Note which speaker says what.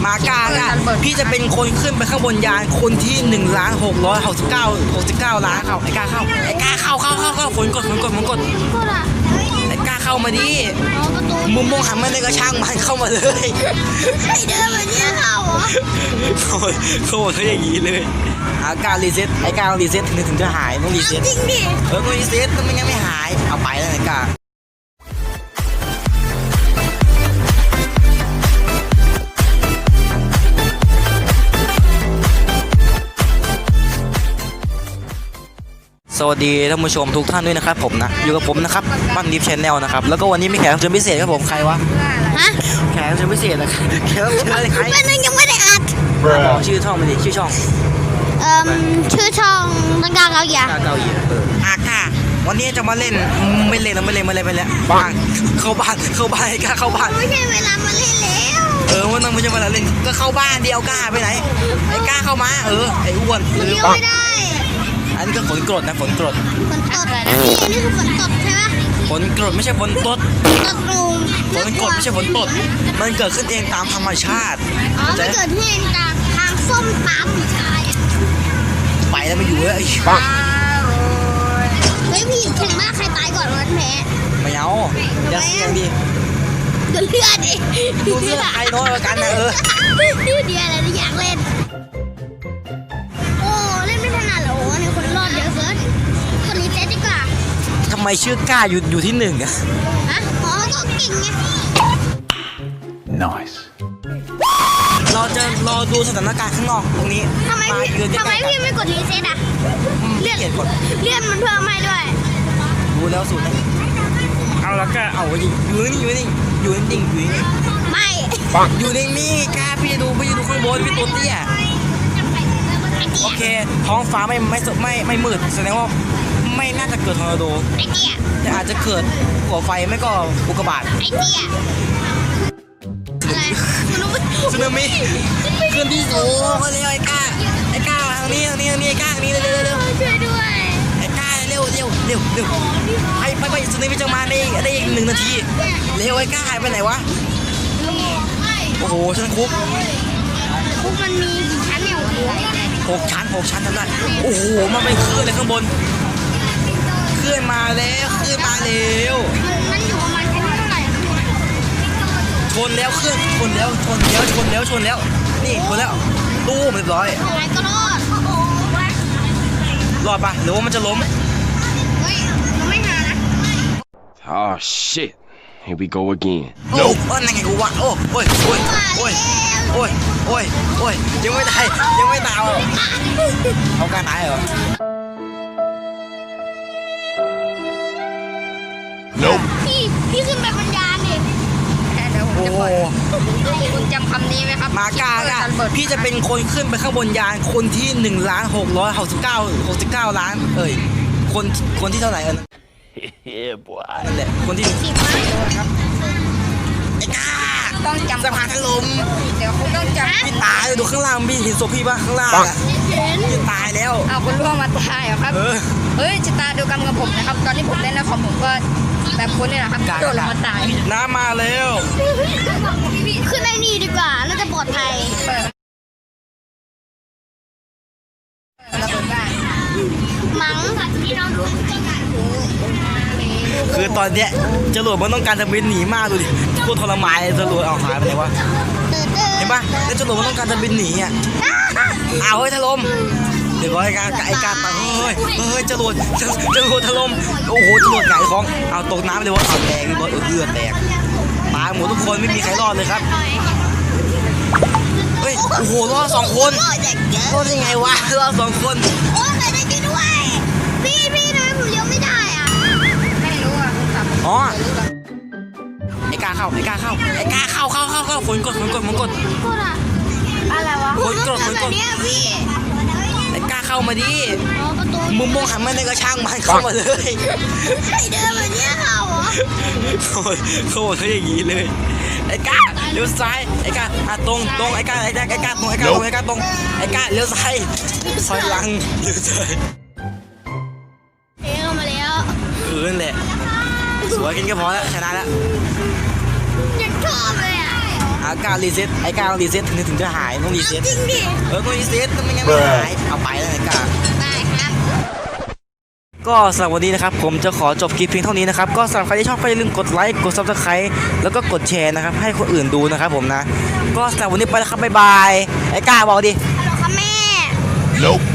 Speaker 1: มาก้าพี่จะเป็นคนขึ้นไปข้างบนยานคนที่1,669,069 ล้านเข้าไอ้ก้าเข้าฝนกดไอ้ก้าเข้ามาดิมุมมองหันมาในกระช่างมันเข้ามาเลย
Speaker 2: ไอเดินแบบนี้เขาเหรอ
Speaker 1: เขาบอกเขาอย่างนี้เลยการรีเซ็ตไอ้การรีเซ็ตถึงจะหายต้องรีเซ็ต
Speaker 2: จริงดิ
Speaker 1: ต้องรีเซ็ตมันยังไม่หายเอาไปแล้วไอ้การสวัสดีท่านผู้ชมทุกท่านด้วยนะครับผมนะอยู่กับผมนะครับปั้นดิฟชแนลนะครับแล้วก็วันนี้มีแขกรับเชิญพิเศษครับผมใครวะแขกรับเชิญพิเศษนะแขกรับเชิญอะไรใคร
Speaker 2: เป็นยังไม่ได้อัด
Speaker 1: บอกชื่อช่องมันดิชื่อช่อง
Speaker 2: ชื่อช่องตั้งกาเกาหลี
Speaker 1: ค่ะวันนี้จะมาเล่นไม่เล่นแล้วบ้านเข้าบ้านไอ้ก้าเข้าบ้าน
Speaker 2: ไม่ใช่เวลามาเล่นแล้ว
Speaker 1: วันนั้นไม่ใช่เวลาเล่นก็เข้าบ้านเดียวก้าไปไหนไอ้ก้าเข้ามาไอ้อ้วน
Speaker 2: เลี้ยวไม่ได้
Speaker 1: อันนี้ก็ฝนกรดนะฝนกรด
Speaker 2: อะไรนะนี่คือฝนตกใช่ไหม
Speaker 1: ฝนกรดไม่ใช่ฝนตด
Speaker 2: ตกลุง
Speaker 1: ฝนกรดไม่ใช่ฝนตดมันเกิดขึ้นเองตามธรรมชาติ
Speaker 2: มันเกิดขึ้นเองจากทางส้มตำ
Speaker 1: ไปแล้วไม่อยู่เลย
Speaker 2: เฮ้ยพี่แข่งมากใครตายก่อนวันแพ้
Speaker 1: ไม่เอาอย่าเสี่ยงดิ
Speaker 2: ดูเลือดดิ
Speaker 1: ดูเลือดใครน้อยกว่ากันนะ
Speaker 2: เดี๋ยวอะไรที่อยากเล่นเล่นไม่ถนัดหรอเนี่ยคนรอดเยอะเกินคนนี้เจ๊ดีกว่า
Speaker 1: ทำไมชื่อก้าอยู่ที่1อะ
Speaker 2: ก็เก่งไง
Speaker 1: Nice เราจะรอดูสถานการณ์ข้างนอกตรงนี้
Speaker 2: ทำไมพี่ไม่กดรีเซ็ตอะเลื่อนมันเพิ่มให้ด้วย
Speaker 1: รู้แล้วสุดเลยเอาแล้วก็เอาอยู่นิ่งไม่อยู่นิ่งก้าพี่จะดูข้างบนพี่ตัวเตี้ยโอเคท้องฟ้าไม่มืดแสดงว่าไม่น่าจะเกิดทอร์นาโดแต่อาจจะเกิดหัวไฟไม่ก็อุกกาบาตสึนามิขึ้นที่สูงมาเร็วไอ้ก้าทางนี้ไอ้ก้าทางนี้เร็ว
Speaker 2: ช่วยด้วย
Speaker 1: ไอ้ก้าเร็วไปสึนามิจะมาได้อีก1 นาทีเร็วไอ้ก้าหายไปไหนวะโอ้โหชั้นคุก
Speaker 2: มันมีกี่ชั้นเนี่ย
Speaker 1: 6 ชั้นทำได้โอ้โหมันไปขึ้นเลยข้างบนขึ้นมาแล้ว
Speaker 2: มันอยู่ประมาณชั้นเท่าไหร่
Speaker 1: ชนแล้วนี่ชนแล้วตู้เรียบร้อย
Speaker 2: ก็
Speaker 1: รอดปะหรือว่ามันจะล้ม
Speaker 2: ไม่หานะ
Speaker 3: Oh shit here we go again
Speaker 1: นั่นไงกูวะโอ้ยยังไม่ตายเอาการตายเหรอ
Speaker 2: พี่ขึ้นไปบนยานดิเดี๋ยวผมจะเปิดคุณจำคำนี้ไหมครับ
Speaker 1: มาก้าพี่จะเป็นคนขึ้นไปข้างบนยานคนที่1,669,069 ล้านคนที่เท่าไหร่นั่นแหละคนที่
Speaker 2: ครับ
Speaker 1: ไอ้ก้า
Speaker 2: ต้องจำ
Speaker 1: สะพานถล่ม
Speaker 2: เดี๋ยวคุณต้องจำ
Speaker 1: พี่ตายดูข้างล่างพี่เห็นศพพี่ป่ะข้างล่างพี่ตายแล้ว
Speaker 2: คุณร่วงมาตายเหรอครับชะตาดูกรรมกับผมนะครับตอนที่ผมเล่นนะผมก็แบบคุณนี่แหละครับโดนลงมาตาย
Speaker 1: น้ำมาแล้ว
Speaker 2: ขึ้นไอ้นี่ดีกว่าน่าจะปลอดภัยมั้งพี่น้อง
Speaker 1: คือตอนเนี้ยจรวดมันต้องการจะบินหนีมากดูดิโคตรทรมานเลยจรวดเอาหายไปไหนวะเห็นปะแล้วจรวดมันต้องการจะบินหนีอ่ะเฮ้ยถล่มเดี๋ยวไอ้การตายเฮ้ยจรวดถล่มโอ้โหจรวดหงายท้องเอาตกน้ำเลยวะเอาแตกเลือดแตกตายหมดทุกคนไม่มีใครรอดเลยครับเฮ้ยโอ้โหรอด2 คนรอดยังไงวะรอด2 คน
Speaker 2: โอ้ยได้จริงด้วยพี่ทำไมผมเลี้ยวไม่ได้อ่ะไม่รู้อ่ะ
Speaker 1: ไอ้ก้าเข้าฝนกด
Speaker 2: อะไรวะ
Speaker 1: ฝนกดไอ้ก้าเข้ามาดิมุมมองหันมาในกระช่างมันเข้ามาเลย
Speaker 2: ไอเดินแบบนี้เขาเหรอ
Speaker 1: เขาบอกเขาอย่างนี้เลยไอ้ก้าเลี้ยวซ้ายไอ้ก้าตรงไอ้ก้าตรงไอ้ก้าเลี้ยวซ้ายซอยลังเลี้ยวซ้าย
Speaker 2: เข้ามาแล้ว
Speaker 1: นั่นแหละสวยกินก็พอแล้วชนะแล้ว
Speaker 2: ยังชอบเลย
Speaker 1: กล้ารีเซ็ตไอ้กล้าต้องรีเซ็ตถึงจะหายต้องรีเซ็ต
Speaker 2: จริงดิ
Speaker 1: ต้องรีเซ็ตไม่งั้นไม่หายเอาไปแล้วไอ้กล้า
Speaker 2: ได้ครับ
Speaker 1: ก็สำหรับวันนี้นะครับผมจะขอจบคลิปเพียงเท่านี้นะครับก็สำหรับใครที่ชอบก็อย่าลืมกดไลค์กด Subscribe แล้วก็กดแชร์นะครับให้คนอื่นดูนะครับผมนะก็สำหรับวันนี้ไปแล้วครับบ๊ายบายไอ้กล้าบอกดิ
Speaker 2: ฮัลโหลครับแม่
Speaker 3: Nope.